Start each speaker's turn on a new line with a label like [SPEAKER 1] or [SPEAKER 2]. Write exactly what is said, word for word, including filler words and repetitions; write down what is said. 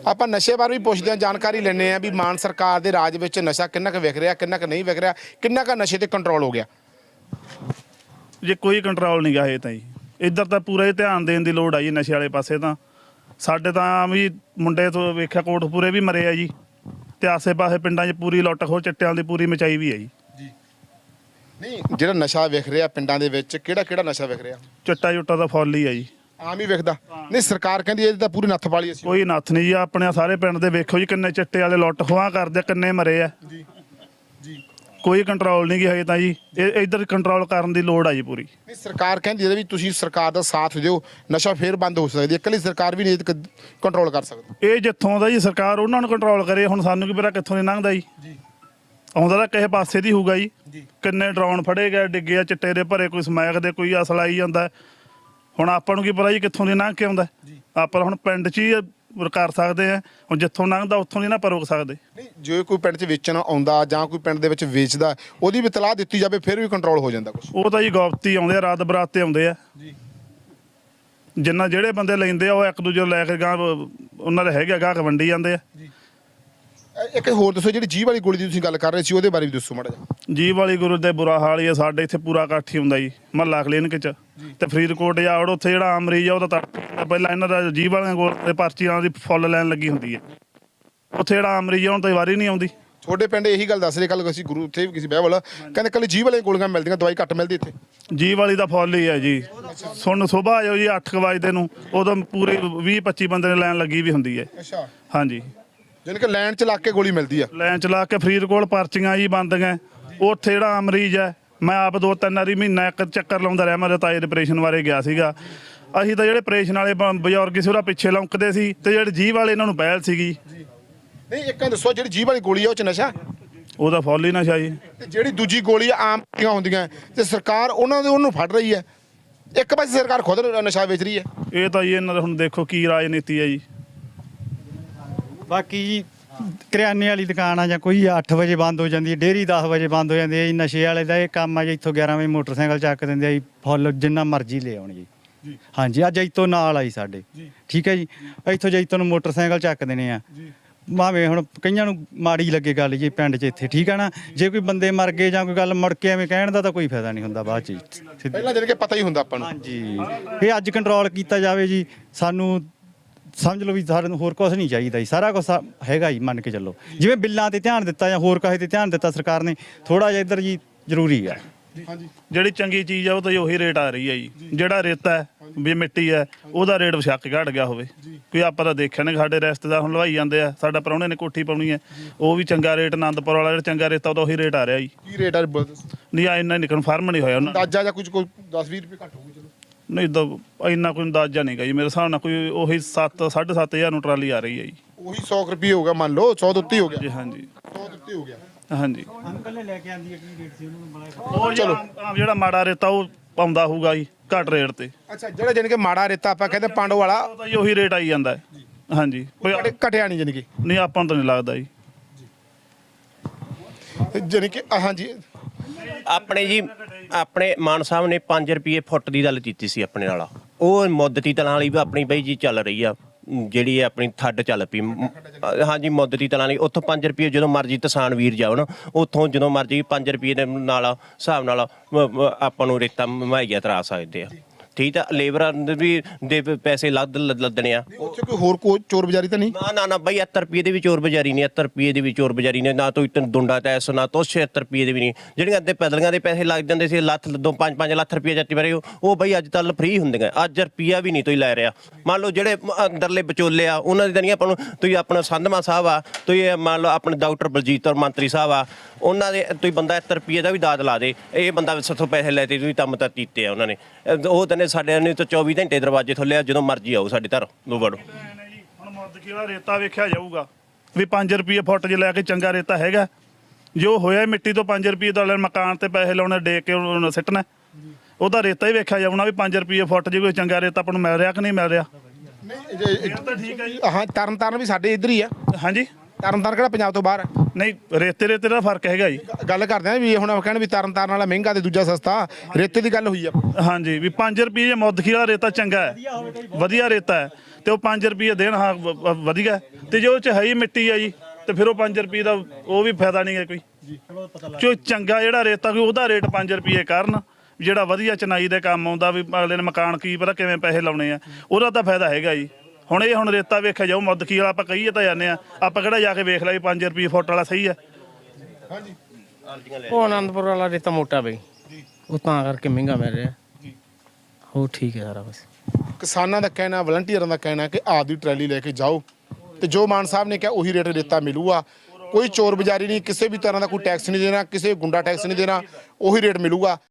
[SPEAKER 1] ਆਪਾਂ ਨਸ਼ੇ ਬਾਰੇ ਵੀ ਪੁੱਛਦੇ ਹਾਂ, ਜਾਣਕਾਰੀ ਲੈਂਦੇ ਹਾਂ ਵੀ ਮਾਨ ਸਰਕਾਰ ਦੇ ਰਾਜ ਵਿੱਚ ਨਸ਼ਾ ਕਿੰਨਾ ਕੁ ਵਿਕ ਰਿਹਾ, ਕਿੰਨਾ ਕੁ ਨਹੀਂ ਵਿਕ ਰਿਹਾ, ਕਿੰਨਾ ਕੁ ਨਸ਼ੇ ਤੇ ਕੰਟਰੋਲ ਹੋ ਗਿਆ।
[SPEAKER 2] ਜੇ ਕੋਈ ਕੰਟਰੋਲ ਨਹੀਂ ਗਾ ਇਹ ਤਾਂ ਜੀ, ਇੱਧਰ ਤਾਂ ਪੂਰਾ ਹੀ ਧਿਆਨ ਦੇਣ ਦੀ ਲੋੜ ਆ ਜੀ ਨਸ਼ੇ ਵਾਲੇ ਪਾਸੇ। ਤਾਂ ਸਾਡੇ ਤਾਂ ਵੀ ਮੁੰਡੇ ਤੋਂ ਵੇਖਿਆ ਕੋਟਪੂਰੇ ਵੀ ਮਰੇ ਆ ਜੀ, ਤੇ ਆਸੇ ਪਾਸੇ ਪਿੰਡਾਂ 'ਚ ਪੂਰੀ ਲੁੱਟ ਖੋਹ ਚਿੱਟਿਆਂ ਦੀ ਪੂਰੀ ਮਚਾਈ ਵੀ ਹੈ ਜੀ।
[SPEAKER 1] ਨਹੀਂ ਜਿਹੜਾ ਨਸ਼ਾ ਵਿਕ ਰਿਹਾ ਪਿੰਡਾਂ ਦੇ ਵਿੱਚ, ਕਿਹੜਾ ਕਿਹੜਾ ਨਸ਼ਾ ਵਿਕ ਰਿਹਾ?
[SPEAKER 2] ਚਿੱਟਾ ਚੁੱਟਾ ਤਾਂ ਫੁੱਲ ਹੀ ਆ ਜੀ,
[SPEAKER 1] ਆਮ ਹੀ ਵਿਕਦਾ। ਨਹੀਂ ਸਰਕਾਰ ਕਹਿੰਦੀ ਇਹਦੀ ਤਾਂ ਪੂਰੀ ਨੱਥ ਪਾਲੀ ਅਸੀਂ।
[SPEAKER 2] ਕੋਈ ਨੱਥ ਨਹੀਂ ਜੀ, ਆਪਣੇ ਸਾਰੇ ਪਿੰਡ ਦੇ ਵੇਖੋ ਜੀ ਕਿੰਨੇ ਚਿੱਟੇ ਵਾਲੇ ਲੁੱਟ ਖੋਹਾਂ ਕਰਦੇ, ਕਿੰਨੇ ਮਰੇ ਆ ਜੀ ਜੀ ਕੋਈ ਕੰਟਰੋਲ ਨਹੀਂ ਗਿਆ ਹਜੇ ਤਾਂ ਜੀ। ਇਹ ਇੱਧਰ ਕੰਟਰੋਲ ਕਰਨ ਦੀ ਲੋੜ ਆ ਜੀ ਪੂਰੀ।
[SPEAKER 1] ਨਹੀਂ ਸਰਕਾਰ ਕਹਿੰਦੀ ਹੈ ਵੀ ਤੁਸੀਂ ਸਰਕਾਰ ਦਾ ਸਾਥ ਦਿਓ, ਨਸ਼ਾ ਫੇਰ ਬੰਦ ਹੋ ਸਕਦੀ ਹੈ। ਇਕੱਲੀ ਸਰਕਾਰ ਵੀ ਨਹੀਂ ਕੰਟਰੋਲ ਕਰ ਸਕਦੀ।
[SPEAKER 2] ਇਹ ਜਿੱਥੋਂ ਦਾ ਜੀ ਸਰਕਾਰ ਉਹਨਾਂ ਨੂੰ ਕੰਟਰੋਲ ਕਰੇ, ਹੁਣ ਸਾਨੂੰ ਕੀ ਪਤਾ ਕਿੱਥੋਂ ਦੀ ਲੰਘਦਾ ਜੀ। ਆਉਂਦਾ ਤਾਂ ਕਿਸੇ ਪਾਸੇ ਦੀ ਹੋਊਗਾ ਜੀ। ਕਿੰਨੇ ਡਰੋਨ ਫੜੇ ਗਏ, ਡਿੱਗੇ ਆ ਚਿੱਟੇ ਦੇ ਭਰੇ, ਕੋਈ ਸਮੈਕ ਦੇ, ਕੋਈ ਅਸਲਾ ਆਈ ਜਾਂਦਾ। ਹੁਣ ਆਪਾਂ ਨੂੰ ਕੀ ਪਤਾ ਜੀ ਕਿੱਥੋਂ ਦੀ ਲੰਘ ਕੇ ਆਉਂਦਾ। ਆਪਾਂ ਹੁਣ ਪਿੰਡ 'ਚ ਹੀ ਕਰ ਸਕਦੇ ਆ, ਹੁਣ ਜਿੱਥੋਂ ਲੰਘਦਾ ਉੱਥੋਂ ਦੀ ਨਾ ਆਪਾਂ ਰੋਕ ਸਕਦੇ।
[SPEAKER 1] ਨਹੀਂ ਜੇ ਕੋਈ ਪਿੰਡ 'ਚ ਵੇਚਣ ਆਉਂਦਾ ਜਾਂ ਕੋਈ ਪਿੰਡ ਦੇ ਵਿੱਚ ਵੇਚਦਾ, ਉਹਦੀ ਵੀ ਇਤਲਾਹ ਦਿੱਤੀ ਜਾਵੇ, ਫਿਰ ਵੀ ਕੰਟਰੋਲ ਹੋ ਜਾਂਦਾ ਕੁਛ। ਉਹ
[SPEAKER 2] ਤਾਂ ਜੀ ਗੌਪਤੀ ਆਉਂਦੇ ਆ, ਰਾਤ ਬਰਾਤ ਤੇ ਆਉਂਦੇ ਆ ਜੀ। ਜਿੰਨਾ ਜਿਹੜੇ ਬੰਦੇ ਲੈਂਦੇ ਆ ਉਹ ਇੱਕ ਦੂਜੇ ਲੈ ਕੇ ਗਾਹ ਉਹਨਾਂ ਦੇ ਹੈਗੇ ਗਾਹਕ ਵੰਡੀ ਜਾਂਦੇ ਆ।
[SPEAKER 1] ਇੱਕ ਹੋਰ ਦੱਸੋ, ਜਿਹੜੀ ਜੀਭ ਵਾਲੀ ਗੋਲੀ ਦੀ ਤੁਸੀਂ ਗੱਲ ਕਰ ਰਹੇ ਸੀ, ਉਹਦੇ ਬਾਰੇ ਵੀ ਦੱਸੋ ਮਾੜਾ ਜਿਹਾ।
[SPEAKER 2] ਜੀਭ ਵਾਲੀ ਗੁਰੂ ਦੇ ਬੁਰਾ ਹਾਲ ਹੀ ਆ, ਸਾਡੇ ਇੱਥੇ ਪੂਰਾ ਇਕੱਠ ਹੀ ਹੁੰਦਾ ਜੀ ਮਹੱਲਾ ਕਲੀਨਿਕ 'ਚ। ਤੇ ਫਰੀਦਕੋਟ ਜਾੜ ਉੱਥੇ ਜਿਹੜਾ ਆਮ ਮਰੀਜ਼ ਆ ਉਹ ਤਾਂ ਪਹਿਲਾਂ ਇਹਨਾਂ ਦਾ ਜੀਭ ਵਾਲਿਆਂ ਕੋਲ ਤੇ ਪਰਚੀਆਂ ਦੀ ਫੁੱਲ ਲੈਣ ਲੱਗੀ ਹੁੰਦੀ ਹੈ। ਉੱਥੇ ਜਿਹੜਾ ਆਮ ਮਰੀਜ਼ ਆ ਉਹਨੂੰ ਤਾਂ ਵਾਰੀ ਨਹੀਂ ਆਉਂਦੀ।
[SPEAKER 1] ਤੁਹਾਡੇ ਪਿੰਡ ਇਹੀ ਗੱਲ ਦੱਸ ਰਹੇ, ਕੱਲ ਅਸੀਂ ਗੁਰੂ ਉੱਥੇ ਵੀ ਕਿਸੇ ਬਹਿ ਵਾਲਾ ਕਹਿੰਦੇ ਕੱਲ ਜੀਭ ਵਾਲੀਆਂ ਗੋਲੀਆਂ ਮਿਲਦੀਆਂ, ਦਵਾਈ ਘੱਟ ਮਿਲਦੀ ਇੱਥੇ।
[SPEAKER 2] ਜੀਭ ਵਾਲੀ ਦਾ ਫੁੱਲ ਹੀ ਆ ਜੀ। ਸੁਣ ਸੁਬਾਹ ਆ ਜਾਓ ਜੀ ਅੱਠ ਕੁ ਵਜੇ ਨੂੰ, ਉਦੋਂ ਪੂਰੇ ਵੀਹ ਪੱਚੀ ਬੰਦੇ ਨੇ ਲੈਣ ਲੱਗੀ ਵੀ ਹੁੰਦੀ ਹੈ।
[SPEAKER 1] ਅੱਛਾ
[SPEAKER 2] ਹਾਂਜੀ,
[SPEAKER 1] ਜਾਣੀ ਕਿ ਲਾਈਨ 'ਚ ਲਾ ਕੇ ਗੋਲੀ ਮਿਲਦੀ ਆ।
[SPEAKER 2] ਲਾਈਨ 'ਚ ਲਾ ਕੇ ਫਰੀਦਕੋਟ ਪਰਚੀਆਂ ਜੀ ਬੰਦੀਆਂ। ਉੱਥੇ ਜਿਹੜਾ ਮਰੀਜ਼ ਹੈ, ਮੈਂ ਆਪ ਦੋ ਤਿੰਨ ਵਾਰੀ ਮਹੀਨਾ ਇੱਕ ਚੱਕਰ ਲਾਉਂਦਾ ਰਿਹਾ। ਮੇਰੇ ਤਾਏ ਦੇ ਆਪਰੇਸ਼ਨ ਬਾਰੇ ਗਿਆ ਸੀਗਾ। ਅਸੀਂ ਤਾਂ ਜਿਹੜੇ ਆਪਰੇਸ਼ਨ ਵਾਲੇ ਬਜ਼ੁਰਗ ਸੀ ਉਹਦਾ ਪਿੱਛੇ ਲੌਂਕਦੇ ਸੀ, ਤੇ ਜਿਹੜੇ ਜੀਭ ਵਾਲੇ ਇਹਨਾਂ ਨੂੰ ਪਹਿਲ ਸੀਗੀ।
[SPEAKER 1] ਨਹੀਂ ਇੱਕ ਦੱਸੋ, ਜਿਹੜੀ ਜੀਭ ਵਾਲੀ ਗੋਲੀ ਆ ਉਹ 'ਚ ਨਸ਼ਾ?
[SPEAKER 2] ਉਹਦਾ ਫੁੱਲ ਹੀ ਨਸ਼ਾ ਜੀ।
[SPEAKER 1] ਤੇ ਜਿਹੜੀ ਦੂਜੀ ਗੋਲੀ ਆਮ ਹੁੰਦੀਆਂ ਤੇ ਸਰਕਾਰ ਉਹਨਾਂ ਦੇ ਉਹਨੂੰ ਫੜ ਰਹੀ ਹੈ। ਇੱਕ ਪਾਸੇ ਸਰਕਾਰ ਖੁਦ ਨਸ਼ਾ ਵੇਚ ਰਹੀ ਹੈ। ਇਹ
[SPEAKER 2] ਤਾਂ ਜੀ ਇਹਨਾਂ ਦਾ ਹੁਣ ਦੇਖੋ ਕੀ ਰਾਜਨੀਤੀ ਹੈ ਜੀ।
[SPEAKER 3] ਬਾਕੀ ਜੀ ਕਰਿਆਨੇ ਵਾਲੀ ਦੁਕਾਨ ਆ ਜਾਂ ਕੋਈ ਅੱਠ ਵਜੇ ਬੰਦ ਹੋ ਜਾਂਦੀ ਹੈ, ਡੇਅਰੀ ਦਸ ਵਜੇ ਬੰਦ ਹੋ ਜਾਂਦੀ ਹੈ ਜੀ। ਨਸ਼ੇ ਵਾਲੇ ਦਾ ਇਹ ਕੰਮ ਆ ਜੀ। ਇੱਥੋਂ ਗਿਆਰਾਂ ਵਜੇ ਮੋਟਰਸਾਈਕਲ ਚੱਕ ਦਿੰਦੇ ਆ ਜੀ, ਫੁੱਲ ਜਿੰਨਾ ਮਰਜ਼ੀ ਲੈ ਆਉਣ ਜੀ। ਹਾਂਜੀ, ਅੱਜ ਜੈਤੋਂ ਨਾਲ ਆਈ ਸਾਡੇ, ਠੀਕ ਹੈ ਜੀ। ਇੱਥੋਂ ਜੈਤੋਂ ਨੂੰ ਮੋਟਰਸਾਈਕਲ ਚੱਕ ਦੇਣੇ ਆ। ਭਾਵੇਂ ਹੁਣ ਕਈਆਂ ਨੂੰ ਮਾੜੀ ਲੱਗੇ ਗੱਲ ਜੀ ਪਿੰਡ 'ਚ ਇੱਥੇ, ਠੀਕ ਹੈ ਨਾ। ਜੇ ਕੋਈ ਬੰਦੇ ਮਰ ਗਏ ਜਾਂ ਕੋਈ ਗੱਲ ਮੁੜ ਕੇ ਐਵੇਂ ਕਹਿਣ ਦਾ ਤਾਂ ਕੋਈ ਫਾਇਦਾ ਨਹੀਂ ਹੁੰਦਾ ਬਾਅਦ 'ਚ।
[SPEAKER 1] ਪਹਿਲਾਂ ਜਿਹੜੇ ਕਿ ਪਤਾ ਹੀ ਹੁੰਦਾ ਆਪਾਂ ਨੂੰ।
[SPEAKER 3] ਹਾਂਜੀ, ਇਹ ਅੱਜ ਕੰਟਰੋਲ ਕੀਤਾ ਜਾਵੇ ਜੀ। ਸਾਨੂੰ ਸਮਝ ਲਓ ਵੀ ਸਾਨੂੰ ਹੋਰ ਕੁਛ ਨਹੀਂ ਚਾਹੀਦਾ ਜੀ, ਸਾਰਾ ਕੁਛ ਹੈਗਾ ਜੀ, ਮੰਨ ਕੇ ਚੱਲੋ। ਜਿਵੇਂ ਬਿੱਲਾਂ ਤੇ ਧਿਆਨ ਦਿੱਤਾ ਜਾਂ ਹੋਰ ਕਾਹੇ ਤੇ ਧਿਆਨ ਦਿੱਤਾ ਸਰਕਾਰ ਨੇ, ਥੋੜਾ ਜਿਹਾ ਇੱਧਰ ਜੀ ਜ਼ਰੂਰੀ ਹੈ।
[SPEAKER 2] ਹਾਂਜੀ, ਜਿਹੜੀ ਚੰਗੀ ਚੀਜ਼ ਆ ਉਹ ਤਾਂ ਉਹੀ ਰੇਟ ਆ ਰਹੀ ਹੈ ਜੀ। ਜਿਹੜਾ ਰੇਤਾ ਹੈ ਵੀ ਮਿੱਟੀ ਹੈ ਉਹਦਾ ਰੇਟ ਵਿਸ਼ੱਕ ਘਟ ਗਿਆ ਹੋਵੇ। ਕੋਈ ਆਪਾਂ ਤਾਂ ਦੇਖਿਆ ਨਹੀਂ, ਸਾਡੇ ਰਿਸ਼ਤੇਦਾਰ ਹੁਣ ਲਵਾਈ ਜਾਂਦੇ ਆ। ਸਾਡਾ ਪ੍ਰਾਹੁਣੇ ਨੇ ਕੋਠੀ ਪਾਉਣੀ ਹੈ, ਉਹ ਵੀ ਚੰਗਾ ਰੇਟ, ਆਨੰਦਪੁਰ ਵਾਲਾ ਜਿਹੜਾ ਚੰਗਾ ਰੇਤਾ ਉਹਦਾ ਉਹੀ ਰੇਟ ਆ ਰਿਹਾ ਜੀ।
[SPEAKER 1] ਕੀ ਰੇਟ ਆ?
[SPEAKER 2] ਨਹੀਂ ਆ ਇੰਨਾ ਨਹੀਂ ਕਨਫਰਮ ਨਹੀਂ ਹੋਇਆ ਉਹਨਾਂ
[SPEAKER 1] ਅੰਦਾਜ਼ਾ ਜਾਂ ਕੁਝ ਕੋਈ ਦਸ ਵੀਹ ਰੁਪਏ ਘੱਟ ਹੋਊਗੀ। ਚਲੋ
[SPEAKER 2] ਨਹੀਂ ਤਾਂ ਇੰਨਾ ਕੋਈ ਅੰਦਾਜ਼ਾ ਨਹੀਂ ਗਾ ਜੀ ਮੇਰੇ ਹਿਸਾਬ ਨਾਲ। ਕੋਈ ਉਹੀ ਸੱਤ ਸਾਢੇ ਸੱਤ ਹਜ਼ਾਰ ਨੂੰ ਟਰਾਲੀ ਆ ਰਹੀ ਹੈ ਜੀ।
[SPEAKER 1] ਉਹੀ ਸੌ ਰੁਪਏ ਹੋ ਗਿਆ, ਮੰਨ ਲਓ ਸੌ ਦੇ ਉੱਤੇ ਹੋ ਗਿਆ
[SPEAKER 2] ਜੀ। ਹਾਂਜੀ,
[SPEAKER 1] ਸੌ ਦੇ ਉੱਤੇ ਹੋ ਗਿਆ।
[SPEAKER 2] ਹਾਂਜੀ,
[SPEAKER 3] ਅੰਕਲ ਨੇ ਲੈ ਕੇ ਆਂਦੀ ਹੈ ਕੀ ਰੇਟ ਸੀ ਉਹਨੂੰ?
[SPEAKER 2] ਉਹ ਚਲੋ ਜਿਹੜਾ ਮਾੜਾ ਰੇਤਾ ਉਹ ਪਾਉਂਦਾ ਹੋਊਗਾ ਜੀ ਘੱਟ ਰੇਟ ਤੇ।
[SPEAKER 1] ਅੱਛਾ, ਜਿਹੜਾ ਜਾਨੀ ਕਿ ਮਾੜਾ ਰੇਤਾ ਆਪਾਂ ਕਹਿੰਦੇ ਪਾਂਡੋ ਵਾਲਾ,
[SPEAKER 2] ਉਹ ਤਾਂ ਜੀ ਉਹੀ ਰੇਟ ਆਈ ਜਾਂਦਾ ਹੈ। ਹਾਂਜੀ, ਕੋਈ
[SPEAKER 1] ਘਟਿਆ ਨਹੀਂ ਜਾਨੀ ਕਿ?
[SPEAKER 2] ਨਹੀਂ, ਆਪਾਂ ਨੂੰ ਤਾਂ ਨਹੀਂ ਲੱਗਦਾ ਜੀ।
[SPEAKER 1] ਜਾਨੀ ਕਿ ਹਾਂਜੀ
[SPEAKER 4] ਆਪਣੇ ਜੀ ਆਪਣੇ ਮਾਨ ਸਾਹਿਬ ਨੇ ਪੰਜ ਰੁਪਏ ਫੁੱਟ ਦੀ ਗੱਲ ਕੀਤੀ ਸੀ ਆਪਣੇ ਨਾਲ। ਉਹ ਮੁੱਦਤੀ ਤਲਾਂ ਵਾਲੀ ਵੀ ਆਪਣੀ ਬਈ ਜੀ ਚੱਲ ਰਹੀ ਆ, ਜਿਹੜੀ ਆਪਣੀ ਥੱਡ ਚੱਲ ਪਈ। ਹਾਂਜੀ, ਮੁੱਦਤੀ ਤਲਾਂ ਵਾਲੀ ਉੱਥੋਂ ਪੰਜ ਰੁਪਏ ਜਦੋਂ ਮਰਜ਼ੀ ਕਿਸਾਨ ਵੀਰ ਜਾਓ ਨਾ, ਉੱਥੋਂ ਜਦੋਂ ਮਰਜ਼ੀ ਪੰਜ ਰੁਪਏ ਦੇ ਨਾਲ ਹਿਸਾਬ ਨਾਲ ਆਪਾਂ ਨੂੰ ਰੇਤਾ ਮੁਹੱਈਆ ਕਰਾ ਸਕਦੇ ਆ। ਠੀਕ ਆ, ਲੇਬਰਾਂ ਦੇ ਵੀ ਦੇ ਪੈਸੇ ਲੱਦ ਲੱਦਣੇ ਆ।
[SPEAKER 1] ਉੱਥੇ ਕੋਈ ਹੋਰ ਕੋਈ ਚੋਰ ਬਜ਼ਾਰੀ ਤਾਂ ਨਹੀਂ?
[SPEAKER 4] ਨਾ ਨਾ ਨਾ ਬਈ, ਅੱਠ ਰੁਪਏ ਦੇ ਵੀ ਚੋਰ ਬਜ਼ਾਰੀ ਨਹੀਂ। ਅੱਠ ਰੁਪਏ ਦੇ ਵੀ ਚੋਰ ਬਜ਼ਾਰੀ ਨੇ ਨਾ। ਤੋਂ ਦੁੰਡਾ ਟੈਸ ਨਾ ਤੋਂ ਛਿਹੱਤਰ ਰੁਪਏ ਦੇ ਵੀ ਨਹੀਂ। ਜਿਹੜੀਆਂ ਅੱਧੇ ਪੈਦਲੀਆਂ ਦੇ ਪੈਸੇ ਲੱਗ ਜਾਂਦੇ ਸੀ, ਲੱਖ ਦੋ ਪੰਜ ਪੰਜ ਲੱਖ ਰੁਪਏ ਜੱਤੀ ਬਾਰੇ, ਉਹ ਬਈ ਅੱਜ ਕੱਲ੍ਹ ਫ੍ਰੀ ਹੁੰਦੀਆਂ। ਅੱਜ ਰੁਪਈਆ ਵੀ ਨਹੀਂ ਤੁਸੀਂ ਲੈ ਰਿਹਾ। ਮੰਨ ਲਓ ਜਿਹੜੇ ਅੰਦਰਲੇ ਵਿਚੋਲੇ ਆ ਉਹਨਾਂ ਦੀ ਤਾਂ ਨਹੀਂ ਆਪਾਂ ਨੂੰ। ਤੁਸੀਂ ਆਪਣਾ ਸੰਧਮਾ ਸਾਹਿਬ ਆ, ਤੁਸੀਂ ਮੰਨ ਲਓ ਆਪਣੇ ਡਾਕਟਰ ਬਲਜੀਤ ਔਰ ਮੰਤਰੀ ਸਾਹਿਬ ਆ, ਉਹਨਾਂ ਦੇ ਤੁਸੀਂ ਬੰਦਾ ਇੱਕ ਰੁਪਈਏ ਦਾ ਵੀ ਦਾਦ ਲਾ ਦੇ, ਇਹ ਬੰਦਾ ਸਾਥੋਂ ਪੈਸੇ ਲੈ ਤੇ ਤੁਸੀਂ ਕੰਮ ਤਾਂ ਕੀਤੇ ਆ ਉਹਨਾਂ ਨੇ। ਉਹ ਤਾਂ ਨੇ ਸਾਡੇ ਨੇ ਤਾਂ ਚੌਵੀ ਘੰਟੇ ਦਰਵਾਜ਼ੇ ਥੱਲੇ ਆ, ਜਦੋਂ ਮਰਜ਼ੀ ਆਓ ਸਾਡੇ ਘਰ ਨੂੰ ਵੜੋ।
[SPEAKER 2] ਹੁਣ ਮੁੱਦਕੀ ਵਾਲਾ ਰੇਤਾ ਵੇਖਿਆ ਜਾਊਗਾ ਵੀ ਪੰਜ ਰੁਪਏ ਫੁੱਟ ਜੇ ਲੈ ਕੇ ਚੰਗਾ ਰੇਤਾ ਹੈਗਾ। ਜੋ ਹੋਇਆ ਮਿੱਟੀ ਤੋਂ ਪੰਜ ਰੁਪਏ ਦਾ ਮਕਾਨ ਤੇ ਪੈਸੇ ਲਾਉਣੇ, ਡੇ ਕੇ ਉਹਨੂੰ ਸਿੱਟਣਾ, ਉਹਦਾ ਰੇਤਾ ਹੀ ਵੇਖਿਆ ਜਾਊਣਾ ਵੀ ਪੰਜ ਰੁਪਏ ਫੁੱਟ ਜੇ ਕੋਈ ਚੰਗਾ ਰੇਤਾ ਆਪਾਂ ਨੂੰ ਮਿਲ ਰਿਹਾ ਕਿ ਨਹੀਂ ਮਿਲ ਰਿਹਾ।
[SPEAKER 1] ਨਹੀਂ ਤਾਂ ਠੀਕ ਹੈ ਜੀ। ਹਾਂ, ਤਰਨ ਤਾਰਨ ਵੀ ਸਾਡੇ ਇੱਧਰ ਹੀ ਆ।
[SPEAKER 2] ਹਾਂਜੀ,
[SPEAKER 1] ਤਰਨ ਤਾਰਨ ਕਿਹੜਾ ਪੰਜਾਬ ਤੋਂ ਬਾਹਰ ਹੈ?
[SPEAKER 2] ਨਹੀਂ ਰੇਤੇ ਰੇਤੇ ਦਾ ਫਰਕ ਹੈਗਾ ਜੀ।
[SPEAKER 1] ਗੱਲ ਕਰਦੇ ਆ ਵੀ ਹੁਣ ਆਪਾਂ ਕਹਿਣ ਵੀ ਤਰਨ ਤਾਰਨ ਵਾਲਾ ਮਹਿੰਗਾ ਤੇ ਦੂਜਾ ਸਸਤਾ, ਰੇਤੇ ਦੀ ਗੱਲ ਹੋਈ ਆ।
[SPEAKER 2] ਹਾਂਜੀ ਵੀ ਪੰਜ ਰੁਪਏ ਜੇ ਮੁੱਦਖੀ ਵਾਲਾ ਰੇਤਾ ਚੰਗਾ ਹੈ, ਵਧੀਆ ਰੇਤਾ ਹੈ ਤੇ ਉਹ ਪੰਜ ਰੁਪਏ ਦੇਣ ਹਾਂ ਵ- ਵ- ਵਧੀਆ, ਤੇ ਜੇ ਉਹ ਚ ਹੈ ਹੀ ਮਿੱਟੀ ਆ ਜੀ ਤੇ ਫਿਰ ਉਹ ਪੰਜ ਰੁਪਏ ਦਾ ਉਹ ਵੀ ਫਾਇਦਾ ਨਹੀਂ ਹੈ ਕੋਈ। ਜੋ ਚੰਗਾ ਜਿਹੜਾ ਰੇਤਾ ਕੋਈ ਉਹਦਾ ਰੇਟ ਪੰਜ ਰੁਪਏ ਕਰਨ, ਜਿਹੜਾ ਵਧੀਆ ਚਨਾਈ ਦੇ ਕੰਮ ਆਉਂਦਾ ਵੀ ਅਗਲੇ ਨੇ ਮਕਾਨ ਕੀ ਪਤਾ ਕਿਵੇਂ ਪੈਸੇ ਲਾਉਣੇ ਆ, ਉਹਦਾ ਤਾਂ ਫਾਇਦਾ ਹੈਗਾ ਜੀ। ਹੁਣ ਇਹ ਹੁਣ ਰੇਤਾ ਵੇਖਿਆ ਜਾਓ ਮੁੱਦਖੀ ਵਾਲਾ ਆਪਾਂ ਕਹੀਏ ਤਾਂ ਜਾਂਦੇ ਆ, ਆਪਾਂ ਕਿਹੜਾ ਜਾ ਕੇ ਵੇਖ ਲਿਆ ਵੀ ਪੰਜ ਰੁਪਏ ਫੁੱਟ ਵਾਲਾ ਸਹੀ ਹੈ।
[SPEAKER 5] ਉਹ ਆਨੰਦਪੁਰ ਵਾਲਾ ਰੇਤਾ ਮੋਟਾ ਬਈ, ਉਹ ਤਾਂ ਕਰਕੇ ਮਹਿੰਗਾ ਮਿਲ ਰਿਹਾ। ਹੋ ਠੀਕ ਹੈ ਸਾਰਾ ਬਸ।
[SPEAKER 1] ਕਿਸਾਨਾਂ ਦਾ ਕਹਿਣਾ, ਵਲੰਟੀਅਰਾਂ ਦਾ ਕਹਿਣਾ ਕਿ ਆਪਦੀ ਟਰੈਲੀ ਲੈ ਕੇ ਜਾਓ ਤੇ ਜੋ ਮਾਨ ਸਾਹਿਬ ਨੇ ਕਿਹਾ ਉਹੀ ਰੇਟ ਰੇਤਾ ਮਿਲੂਗਾ, ਕੋਈ ਚੋਰ ਬਜ਼ਾਰੀ ਨਹੀਂ, ਕਿਸੇ ਵੀ ਤਰ੍ਹਾਂ ਦਾ ਕੋਈ ਟੈਕਸ ਨਹੀਂ ਦੇਣਾ, ਕਿਸੇ ਗੁੰਡਾ ਟੈਕਸ ਨਹੀਂ ਦੇਣਾ, ਉਹੀ ਰੇਟ ਮਿਲੂਗਾ।